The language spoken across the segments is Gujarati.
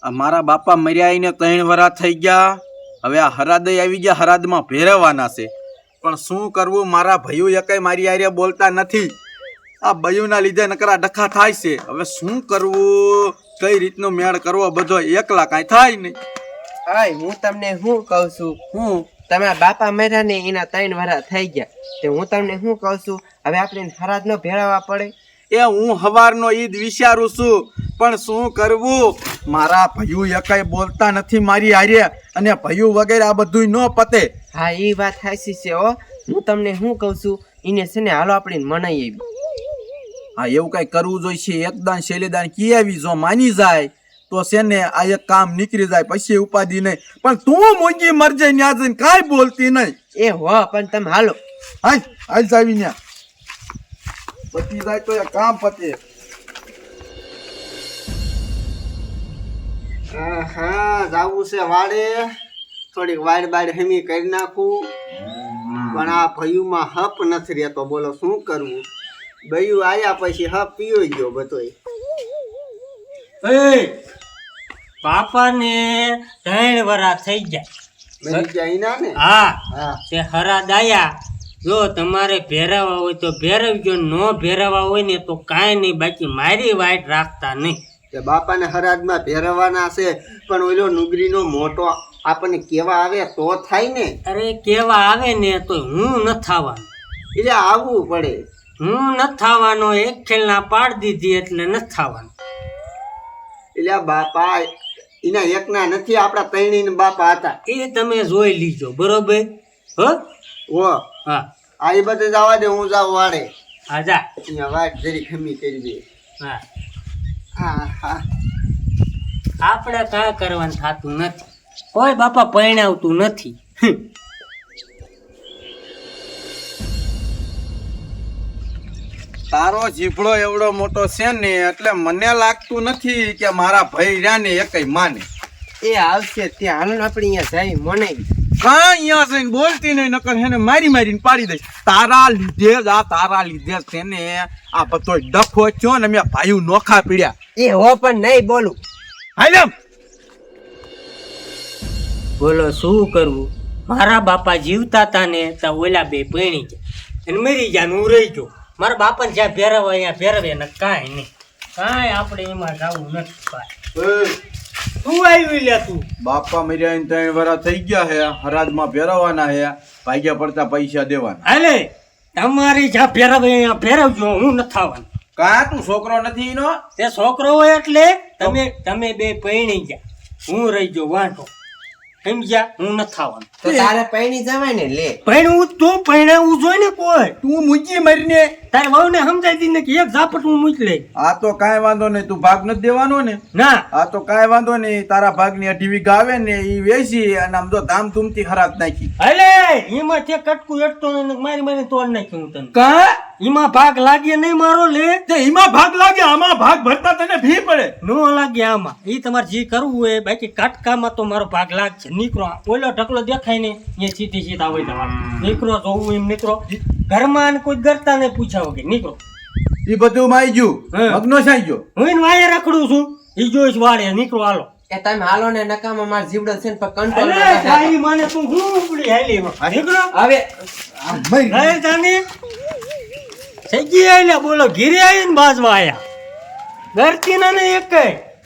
મારા બાપા મર્યા આઈને 3 વર્ષ થઈ ગયા. હવે આ હરાદય આવી ગયા, હરાદમાં ભેરવવાના છે. પણ શું કરવું, મારા ભાઈઓ એકાઈ મારી આરે બોલતા નથી. આ ભાઈઓના લીધે નકરા ડખા થાય છે. હવે શું કરવું, કઈ રીતનો મેળ કરવો, બધો એકલા કાંઈ થાય નહીં. આય હું તમને શું કહું છું, તમારા બાપા મર્યા ને એના 3 વર્ષ થઈ ગયા. તે હું તમને શું કહું છું, હવે આપણે હરાજ નો ભેળવવા પડે. એ હું હવારનો ઈદ વિચારું છું, પણ શું કરવું, મારા ભાઈઓ એકાઈ બોલતા નથી મારી આરે, અને ભાઈઓ વગેરે આ બધું ન પતે. હા એ વાત સાચી છે હો. હું તમને શું કહું છું, એને છે ને હાલો આપણે મનાઈ આવી. હા એવું કઈ કરવું જોઈશે. એકદાન શૈલીદાન કી આવી જો માની જાય તો છે ને આ એક કામ નીકળી જાય, પછી ઉપાધિ નહીં. પણ તું મૂંગી મર જાય ન્યા જઈને કાંઈ બોલતી નહીં. એ હો પણ તમે હાલો. હાલ જાવી ન્યા, પતી જાય તો એ કામ પતે. હા જાવું છે વાડે, થોડીક વાડ બાડ હેમી કરી નાખું. પણ આ ભયુમાં હપ નથી રહેતો, બોલો શું કરવું. ભયું આયા પછી હપ પીયો ગયો બધોય. બાપાને 3 વર્ષ થઈ ગયા. મરી ગયા ઈના ને. હા હા તે હરાદ આયા. જો તમારે ભેરવવા હોય તો ભેરવજો, ન ભેરવવા હોય ને તો કાંઈ નહીં, બાકી મારી વાઈટ રાખતા નહીં. તે બાપાને હરાજમાં ભેરવવાના છે, પણ ઓલો નુગરીનો મોટો આપણને કેવા આવે તો થાય ને. અરે કેવા આવે ને તો હું ન થવાનું, એટલે આવવું પડે. હું ન થવાનો. એક ખેલના પાડ દીધી એટલે ન થવાનું. એટલે આ બાપા એના એકના નથી, આપણા ત્રણેયના બાપા હતા. એ તમે જોઈ લીજો, બરોબર? હો ઓ હા આ એ બધે જવા દે, હું જાઉં વાડે. હા જા. અહીંયા વાટ જરી ખમી કરી દે. હા હા હા આપણે કાંઈ કરવાનું થતું નથી. કોઈ બાપા પરણાવતું નથી. તારો જીભડો એવડો મોટો છે ને એટલે મને લાગતું નથી કે મારા ભાઈ રહ્યા ને એ કઈ માને. એ આવશે ત્યાં હાલો ને આપણે અહીંયા જઈ મનાઈ. કાં અહીંયા જઈને બોલતી નહીં, નકર હેને મારીને પાડી દઈશ. તારા લીધે જ છે ને આ બધો ડખો થયો ને મેં ભાઈઓ નોખા પીડ્યા. એ હો પણ નહીં બોલું. હાલ એમ બોલો શું કરવું. મારા બાપા જીવતા હતા ને તો ઓલા બે પૈણી ગયા અને મરી ગયા ને હું રહી ગયો. મારા બાપાને જ્યાં ભેરવે અહીંયા ભેરવે ને કાંઈ નહીં, કાંઈ આપણે એમાં જવું નથી. તું આવી લે તું. બાપા મર્યા 3 વર્ષ થઈ ગયા હે, હરાજમાં ભેરવવાના હે, ભાગ્યા પડતા પૈસા દેવાના. હાલે તમારી જ્યાં ભેરવે અહીંયા ભેરવજો, હું નથી આવવાનું. કાં તું છોકરો નથી ઈનો? તે છોકરો હોય એટલે તમે બે પૈણી ગયા, હું રહી ગયો વાંઢો. સમજ્યા? હું નથી આવવાનું. તો તારે પૈણી જવાય ને લે. પૈણવું તું પૈણાવું જોઈ ને કોઈ. તું મૂકી મરીને. તારે વહુને સમજાવી દી ને કે એક ઝાપટ હું મૂકી લઈ. આ તો કાંઈ વાંધો નહીં, તું ભાગ નથી દેવાનો ને. ના આ તો કાંઈ વાંધો નહીં, તારા ભાગની 2 વીઘા આવે ને એ વેચી અને આમ તો ધામધૂમથી હરાજ નાખી. અલે એમાં તે કટકું એટતો ને મારી તોડ નાખ્યું હું તને. કા એમાં ભાગ લાગે નહીં મારો લે. તે એમાં ભાગ લાગે, આમાં ભાગ ભરતા તને ભી પડે. નો લાગે આમાં. એ તમારે જે કરવું હોય, બાકી કાટકામાં તો મારો ભાગ લાગશે. નીકળો, ઓલો ઢકલો દેખાય ને એ સીધા હોય તમારે. નીકળો, જોવું એમ નીકળો. ઘરમાં કોઈ ગરતા ને પૂછાવો કે નીકળો. એ બધું માઈ ગયું, મગનો સાઈ ગયો. હું એને વાયે રખડું છું, એ જોઈશ વાળે. નીકળો હાલો. એ તમે હાલો ને નકામાં માર જીવડો છે ને પણ અલે કંટ્રોલ. તારી માને તું હું ઉપડી હાલી એમાં. નીકળો. હવે અરે તાને સગી આયલા બોલો, ઘીરે આવીને બાજવા આયા. ગરતી ના ને એક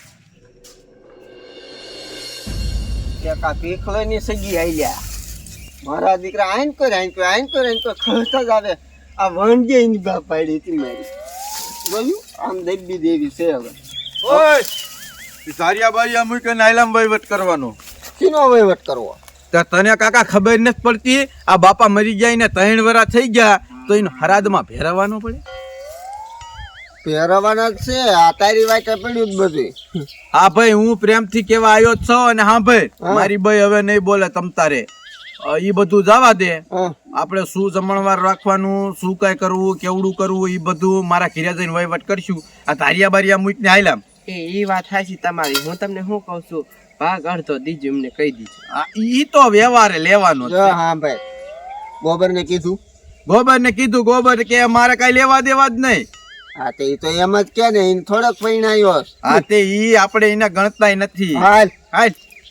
કા પીખલો ની સગી આઈલ્યા. મારા દીકરા આઈન કરે ખર્ચા જ આવે. આ વણજે ની બાપ પાડી હતી મારી. બોલ્યું આમ દેવી દેવી છે. હવે ઓય સારિયા બારિયા મૂકીને આયલામ વહીવટ કરવાનો. શીનો વહીવટ કરવો? તો તને કાકા ખબર નથી પડતી, આ બાપા મરી ગયા ને 3 વર્ષ થઈ ગયા તો એનો હરાદમાં ભેરવવાનો પડે. પહેરવાના જ છે. આ તારી વાટે પડ્યું જ બધું. હા ભાઈ, હું પ્રેમથી કેવા આવ્યો જ છો. અને હા ભાઈ, મારી ભાઈ હવે નહીં બોલે તમ તારે. એ બધું જવા દે. આપણે શું જમણવાર રાખવાનું, શું કઈ કરવું, કેવડું કરવું, એ બધું મારા ઘરે જઈને વહીવટ કરશું. આ તારિયા બારિયા મૂકીને આયલામ. એ વાત સાચી તમારી. હું તમને શું કહું છું, ભાગ અડધો દીજો એમને કહી દીધું. ઈ તો વ્યવહારે લેવાનો જ છે. હા ભાઈ, ગોબર ને કીધું. ગોબર કે મારે કઈ લેવા દેવા જ નહીં. હા તે ઈ તો એમ જ કે ને એને થોડોક પૈણાયો આ તે ઈ આપણે એને ગણતાય નથી. હાલ હાલ.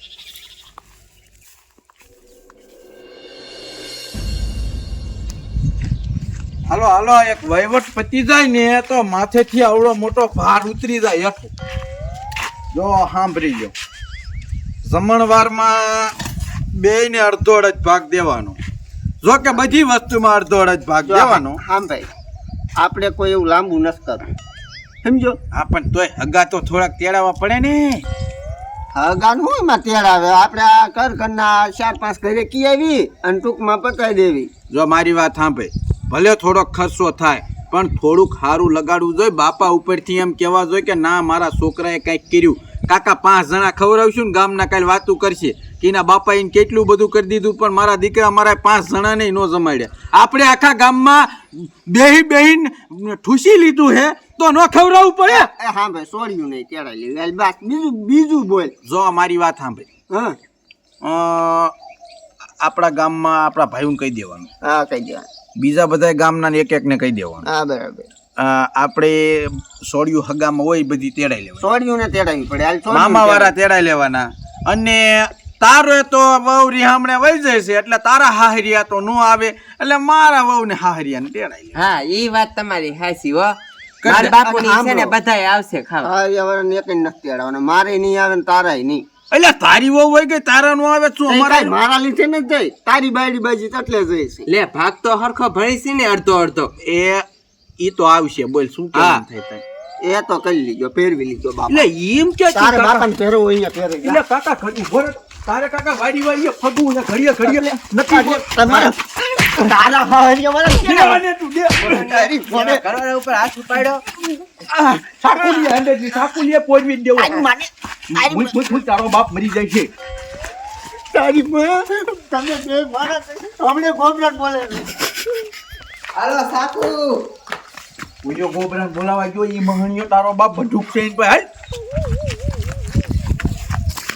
હાલો હાલો, એક વહીવટ પતી જાય ને તો માથેથી આવડો મોટો ભાર ઉતરી જાય હેઠો. જો સાંભળી લો, જમણવારમાં બેયને અડધો અડધ ભાગ દેવાનો. જો કે બધી વસ્તુમાં અડધો અડધ ભાગ દેવાનો. આમ ભાઈ આપણે કોઈ એવું લાંબુ નથી કરવું સમજો. હા પણ તોય હગા તો થોડાક તેડાવવા પડે ને. હગાન હું એમાં તેડાવે આપણે આ ઘરના 4-5 ઘરે કી આવી અને ટૂંકમાં પતાવી દેવી. જો મારી વાત સાંભળે, ભલે થોડોક ખર્ચો થાય પણ થોડુંક સારું લગાડવું જોઈએ. બાપા ઉપરથી એમ કહેવા જોઈએ કે ના મારા છોકરાએ કંઈક કર્યું. કાકા 5 જણા ખવડાવશું ને ગામના કાલે વાતું કરશે કે એના બાપા એને કેટલું બધું કરી દીધું પણ મારા દીકરા મારા 5 જણાને નો જમાડ્યા. આપણે આખા ગામમાં બેહીન ઠૂસી લીધું હે તો ન ખવડાવવું પડે. એ હા ભાઈ સોડ્યું નહીં તેડાઈ લેવી. હાલ બસ બીજું બોલ. જો મારી વાત સાંભળે, હા આપણા ગામમાં આપણા ભાઈઓને કહી દેવાનું, હા કહી દેવાનું. બીજા બધા ગામના એક એકને કહી દેવાનું. હા બરાબર. આપણે સોડિયું હગામાં હોય બધી તેડાઈ લેવાની. સોડ્યું ને તેડાવી પડે. હાલ સોડ્યું મામા વાળા તેડાઈ લેવાના. અને તારો તો વહુ રીહામણે વહી જાય છે એટલે તારા હાહરિયા તો ન આવે એટલે મારા વહુ ને હાહરિયાને તેડાઈ લે. હા એ વાત તમારી હાચી હો. કરી મારા દે. બાપુની છે ને સાંભળો. બધાય આવશે ખાવા. હા એવાને એક જ નથી તેડાવવાના. મારે નહીં આવે ને તારાય નહીં. એટલે તારી વહુ હોય ગઈ તારા નો આવે શું તઈ અમારા કાંઈ મારા લીધે નથી જાય. તારી બાયડી બાજી તો એટલે જાય છે. લે ભાગ તો હરખો ભળી છે ને અડધો અડધો. એ ઈ તો આવશે. બોલ શું હા. કેમ થાય તારે? એ તો કરી લીધો પહેરવી લીધો બાપા. એટલે એમ કે તારે બાપાને પહેરવો અહીંયા પહેરી જા. એટલે કાકા ઘડી ભોર તારે કાકા વાડી વાડીએ ફગવું ને ઘડીએ ઘડીએ નથી બોલ. તમારે તારા હાહરિયા વાળા દેવાને તું દે. તારી ફોને કરોડા ઉપર હાથ ઉપાડ્યો. સાકુલીએ અંડેજી સાકુલીએ પોજવી જ દેવો. મુઈ તારો બાપ મરી જાય છે. તારી માં તમે બે મારા હમણે ગોબરાટ બોલે છે. હાલો સાકુ ઉયો ગોબરાને બોલાવા ગયો ઈ મહણિયો તારો બાપ બંદૂક છે એની પાસે. હાલ